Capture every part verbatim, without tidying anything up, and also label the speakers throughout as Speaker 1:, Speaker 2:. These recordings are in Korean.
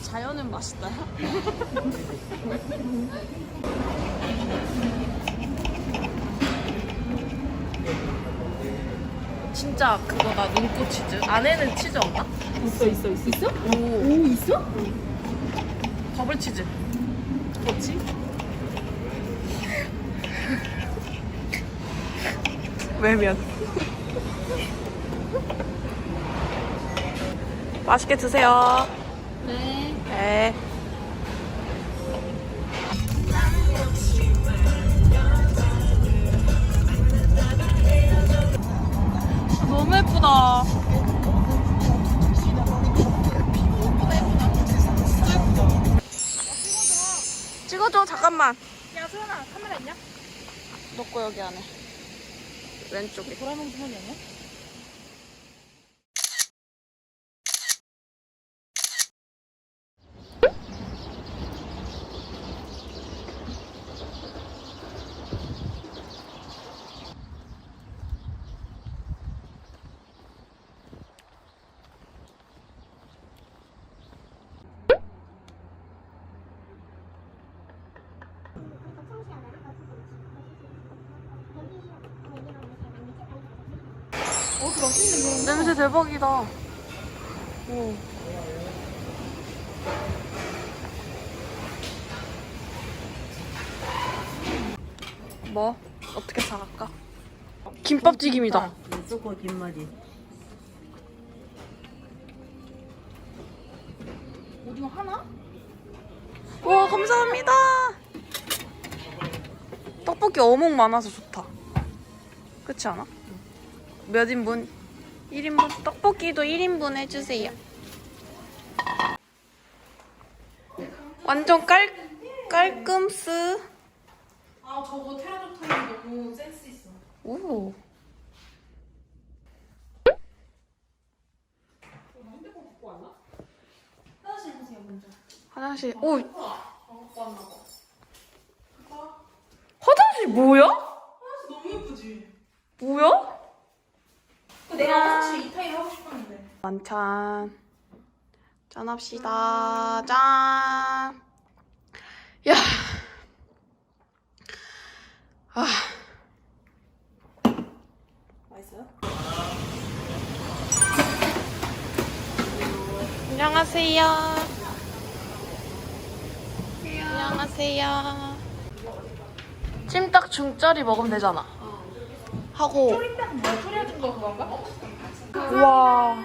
Speaker 1: 자연은 맛있다. 진짜 그거다. 눈꽃 치즈. 안에는 치즈 없나?
Speaker 2: 있어 있어 있어 있어?
Speaker 1: 오,
Speaker 2: 오 있어?
Speaker 1: 버블 치즈. 뭐지? 외면. 맛있게 드세요.
Speaker 2: 네.
Speaker 1: 네. 너무 예쁘다. 찍어줘. 잠깐만.
Speaker 2: 야 소연아 카메라 있냐?
Speaker 1: 넣고 여기 안에. 왼쪽에.
Speaker 2: 보라색 화면 아니야? 어, 그 맛있는 거.
Speaker 1: 냄새 대박이다. 오. 뭐? 어떻게 사갈까? 김밥튀김이다.
Speaker 2: 무조건 김말이. 오징어 하나?
Speaker 1: 와, 감사합니다. 떡볶이 어묵 많아서 좋다. 그렇지 않아? 몇 인분? 일 인분? 떡볶이도 일 인분 해주세요. 완전 깔, 깔끔스.
Speaker 2: 아 저거 테라조타임 너무 센스 있어.
Speaker 1: 오.
Speaker 2: 핸드폰 갖고 왔나? 화장실 보세요 먼저.
Speaker 1: 화장실. 오,
Speaker 2: 안 갖고 왔나 봐.
Speaker 1: 화장실 뭐야?
Speaker 2: 화장실 너무 예쁘지?
Speaker 1: 뭐야?
Speaker 2: 내가 화장실 이 타입 하고 싶었는데.
Speaker 1: 만찬. 짠합시다. 짠. 야. 아.
Speaker 2: 맛있어요?
Speaker 1: 안녕하세요. 안녕하세요. 찜닭 중짜리 먹으면 되잖아. 하고.
Speaker 2: 초리닭 뭐야? 초리해준 거 그건가?
Speaker 1: 우와.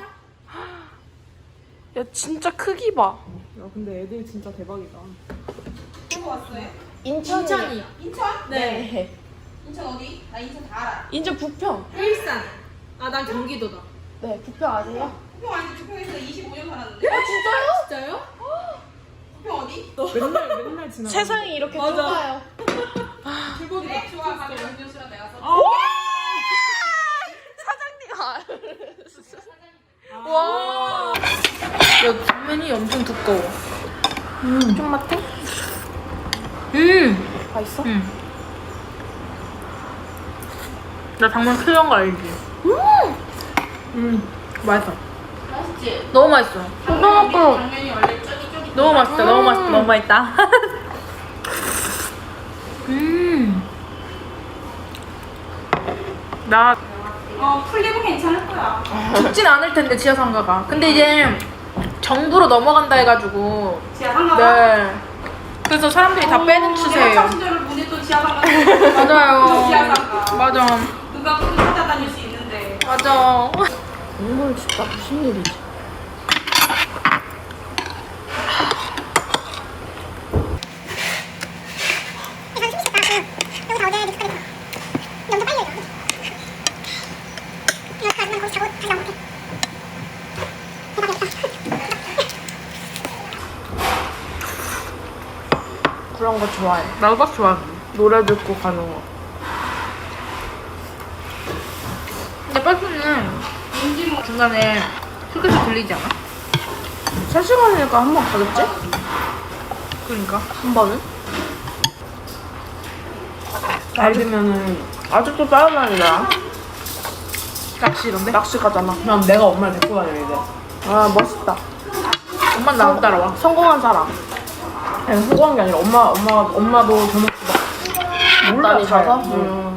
Speaker 1: 야, 진짜 크기 봐.
Speaker 3: 야 근데 애들 진짜 대박이다.
Speaker 2: 누구 왔어요?
Speaker 1: 인천이.
Speaker 2: 인천?
Speaker 1: 네.
Speaker 2: 인천 어디? 나 인천 다 알아.
Speaker 1: 인천 부평.
Speaker 2: 일산. 아 난 경기도다.
Speaker 1: 네, 부평 아세요?
Speaker 2: 부평 아닌데 부평에서 이십오 년 살았는데.
Speaker 1: 아, 진짜요?
Speaker 2: 진짜요? 부평 어디?
Speaker 3: 맨날 맨날 지나.
Speaker 1: 세상이 이렇게
Speaker 2: 맞아.
Speaker 1: 좁아요.
Speaker 2: 그래? 좋아. 가면 음료수랑 내가 써.
Speaker 1: 사장님. 아. 와. 야, 당면이 엄청 두꺼워. 음. 좀 맡아? 음. 맛있어? 응. 나 당면 필요한 거 알지? 음. 음. 맛있어.
Speaker 2: 맛있지?
Speaker 1: 너무 맛있어. 초등학교.
Speaker 2: 당면이 원래 쫄깃쫄깃.
Speaker 1: 너무 맛있다. 너무 맛있다. 너무 맛있다. 음. 나
Speaker 2: 어 풀리면 괜찮을 거야.
Speaker 1: 죽진 않을 텐데 지하 상가가. 근데 이제 정부로 넘어간다 해가지고.
Speaker 2: 지하 상가가?
Speaker 1: 네. 그래서 사람들이 다 빼는 추세예요.
Speaker 2: 내가 시절을 보니 또 지하 상가.
Speaker 1: 맞아요.
Speaker 2: 지하 상가.
Speaker 1: 맞아.
Speaker 2: 누가 또 찾아다닐 수 있는데.
Speaker 1: 맞아.
Speaker 3: 이걸 진짜 무슨 일이지?
Speaker 1: 그런 거 좋아해. 나도 딱 좋아해. 노래 듣고 가는 거. 근데 버스는 중간에 휴게소 들리지 않아? 세 시간이니까 한 번 가겠지? 그러니까 한 번은?
Speaker 3: 날이면은 아직도 짜증나니까.
Speaker 1: 낚시 이런데?
Speaker 3: 낚시 가잖아. 그럼 내가 엄마를 데리고 다녀야 돼.
Speaker 1: 아 멋있다. 엄마 나안 따라와.
Speaker 3: 성공한 사람. 아니, 성공한 게 아니라 엄마, 엄마, 엄마도 저녁 막 몰라, 다니셔서? 음.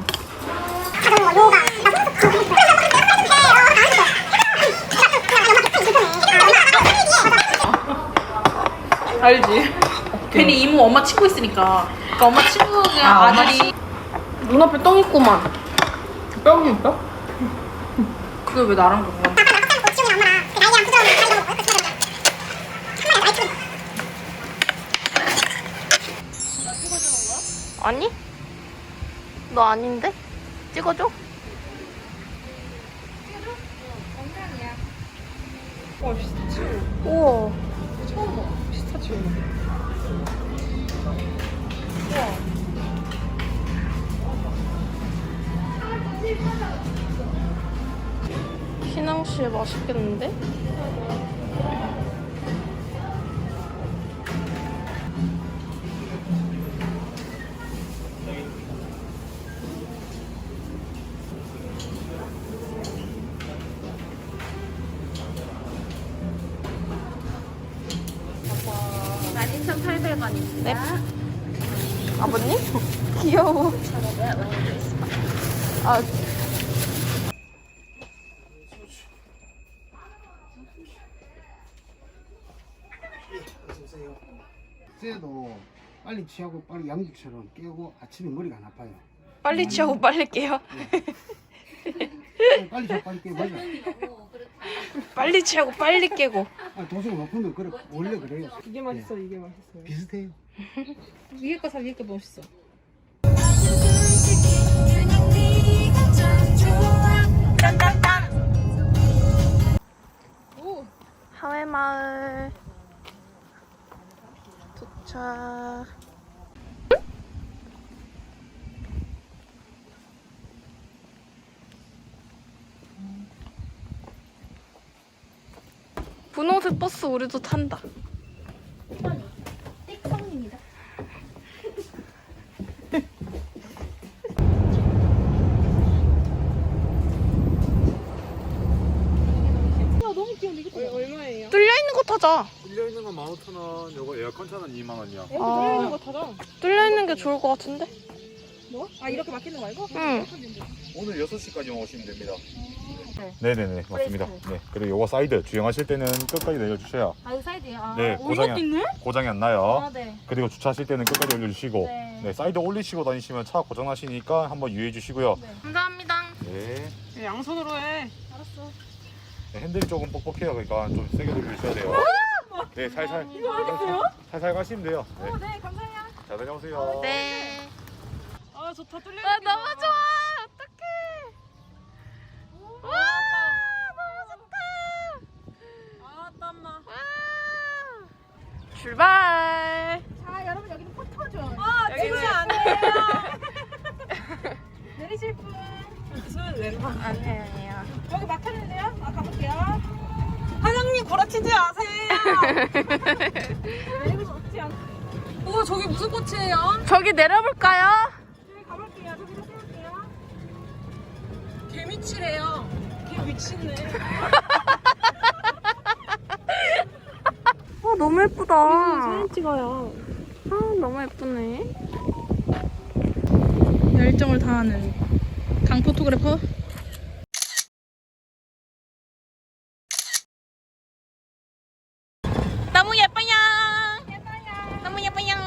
Speaker 1: 알지? 괜히 이모 엄마 친구 있으니까. 그러니까 엄마 친구가
Speaker 3: 아,
Speaker 1: 아들이
Speaker 3: 눈앞에 똥 있구만. 똥이 있어?
Speaker 1: 그게 왜 나랑 그런 거야? 아니? 너 아닌데? 찍어줘?
Speaker 3: 와, 피스타치오.
Speaker 1: 우와.
Speaker 3: 처음 봐. 피스타치오.
Speaker 1: 희낭씨 맛있겠는데? 만 이천팔백 원입니다. 네. 아버님? 귀여워. 아,
Speaker 4: 쟤도 빨리 취하고 빨리 양육처럼 깨고 아침에 머리가 안 아파요.
Speaker 1: 빨리 취하고 빨리 깨요.
Speaker 4: 빨리 자 빨리 깨 맞아.
Speaker 1: 빨리 취하고 빨리 깨고.
Speaker 4: 아, 도수가 높은 건 그래 원래 그래요.
Speaker 3: 이게 맛있어, 이게 맛있어요.
Speaker 4: 비슷해요.
Speaker 3: 위에 거 사, 위에 거 멋있어.
Speaker 1: 하회마을 도착. 분홍색 버스 우리도 탄다.
Speaker 2: 띡성입니다.
Speaker 3: 얼마예요?
Speaker 1: 뚫려 있는 거 타자.
Speaker 5: 뚫려 있는 건 만 오천 원, 요거 에어컨 차는 이만 원이야.
Speaker 3: 여기
Speaker 1: 아.
Speaker 3: 들어있는 거 타자.
Speaker 1: 뚫려 있는 게 좋을 것 같은데?
Speaker 3: 뭐? 아, 이렇게 막히는 거 말고?
Speaker 1: 응.
Speaker 5: 오늘 여섯 시까지만 오시면 됩니다. 네네네, 맞습니다. 네. 그리고 요거 사이드 주행하실 때는 끝까지 내려주셔야
Speaker 2: 아, 이 사이드요? 아,
Speaker 5: 네, 고장이, 안- 고장이 안 나요.
Speaker 2: 아, 네.
Speaker 5: 그리고 주차하실 때는 끝까지 올려주시고
Speaker 2: 네.
Speaker 5: 네, 사이드 올리시고 다니시면 차 고장 나시니까 한번 유의해 주시고요.
Speaker 1: 감사합니다.
Speaker 5: 네.
Speaker 3: 네, 양손으로 해.
Speaker 2: 알았어.
Speaker 5: 네, 핸들이 조금 뻑뻑해요. 그러니까 좀 세게 돌려주셔야 돼요. 네, 살살. 이거 알겠어요? 살살 가시면 돼요. 네.
Speaker 2: 어, 네, 감사해요.
Speaker 5: 잘 다녀오세요.
Speaker 1: 네.
Speaker 3: 아, 좋다. 뚫려
Speaker 1: 아, 너무 좋아. 어떡해. 와, 너무 좋다.
Speaker 3: 아, 땀나.
Speaker 1: 와. 출발.
Speaker 2: 자, 여러분, 여기는 포토존.
Speaker 3: 아,
Speaker 1: 여기는-
Speaker 3: 안 돼요.
Speaker 2: 내리실 분.
Speaker 3: 손 왼손.
Speaker 1: 아니에요, 아니에요.
Speaker 2: 여기 막혔는데요? 아, 가볼게요.
Speaker 3: 사장님, 구라치지 마세요.
Speaker 2: 내리고 싶지 않고.
Speaker 3: 우와, 저기 무슨 꽃이에요?
Speaker 1: 저기 내려볼까요?
Speaker 2: 저기 가볼게요. 저기로 세울게요.
Speaker 3: 개미치래요. 개 미치네.
Speaker 1: 와, 너무 예쁘다.
Speaker 3: 사진 찍어요.
Speaker 1: 아, 너무 예쁘네.
Speaker 3: 열정을 다하는 강 포토그래퍼.
Speaker 1: 너무 예뻐요. 너무 예뻐요.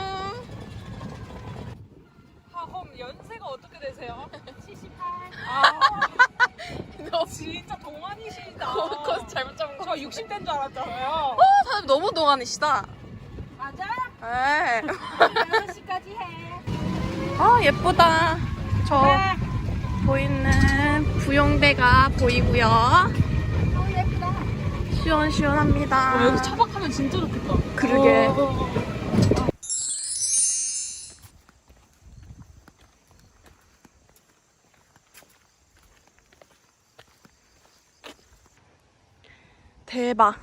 Speaker 3: 아, 그럼 연세가 어떻게 되세요?
Speaker 2: 칠십팔.
Speaker 3: 아,
Speaker 1: 너
Speaker 3: 진짜 동안이시다.
Speaker 1: 거 잘못 잡은 거.
Speaker 3: 저 육십 대인 줄 알았잖아요.
Speaker 1: 어, 사람 너무 동안이시다.
Speaker 2: 맞아?
Speaker 1: 에.
Speaker 2: 여섯 시까지 해.
Speaker 1: 아, 예쁘다. 저 보이는 부용대가 보이고요.
Speaker 2: 어, 예쁘다.
Speaker 1: 시원시원합니다.
Speaker 3: 어, 여기 차박하면 진짜 좋겠다.
Speaker 1: 그러게.
Speaker 3: 어, 어, 어.
Speaker 1: 대박.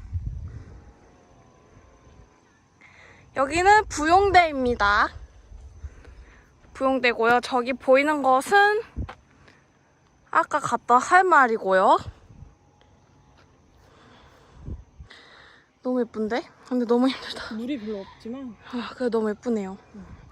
Speaker 1: 여기는 부용대입니다. 부용대고요. 저기 보이는 것은 아까 갔던 할 말이고요. 너무 예쁜데? 근데 너무 힘들다.
Speaker 3: 물이 별로 없지만
Speaker 1: 아, 그래 너무 예쁘네요.